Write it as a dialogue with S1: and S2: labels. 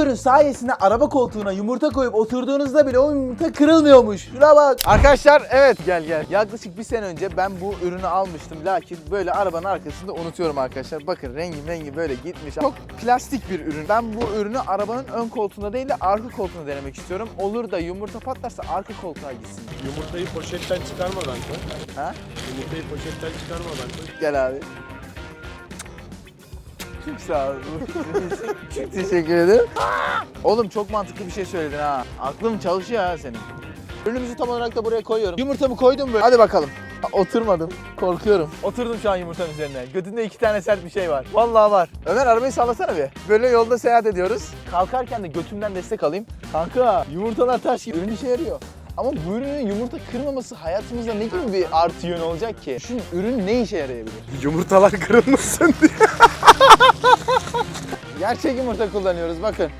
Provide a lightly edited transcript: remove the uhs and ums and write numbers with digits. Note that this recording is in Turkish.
S1: Bu ürün sayesinde araba koltuğuna yumurta koyup oturduğunuzda bile o yumurta kırılmıyormuş. Şuna bak. Arkadaşlar evet gel. Yaklaşık bir sene önce ben bu ürünü almıştım. Lakin böyle arabanın arkasında unutuyorum arkadaşlar. Bakın rengi böyle gitmiş. Çok plastik bir ürün. Ben bu ürünü arabanın ön koltuğunda değil de arka koltuğunda denemek istiyorum. Olur da yumurta patlarsa arka koltuğa gitsin.
S2: Yumurtayı poşetten çıkarmadan koy.
S1: Ha?
S2: Yumurtayı poşetten çıkarmadan koy.
S1: Gel abi. Çok sağ ol. Çok teşekkür ederim. Oğlum çok mantıklı bir şey söyledin ha. Aklım çalışıyor ha senin. Ürünümüzü tam olarak da buraya koyuyorum. Yumurtamı koydum böyle. Hadi bakalım. Oturmadım. Korkuyorum. Oturdum şu an yumurtanın üzerine. Götünde 2 tane sert bir şey var. Vallahi var. Ömer arabayı sallasana bir. Böyle yolda seyahat ediyoruz. Kalkarken de götümden destek alayım. Kanka yumurtalar taş gibi. Ürün işe yarıyor. Ama bu ürünün yumurta kırmaması hayatımızda ne gibi bir artı yön olacak ki? Şu ürün ne işe yarayabilir?
S2: Yumurtalar kırılmasın diye.
S1: Gerçek yumurta kullanıyoruz bakın.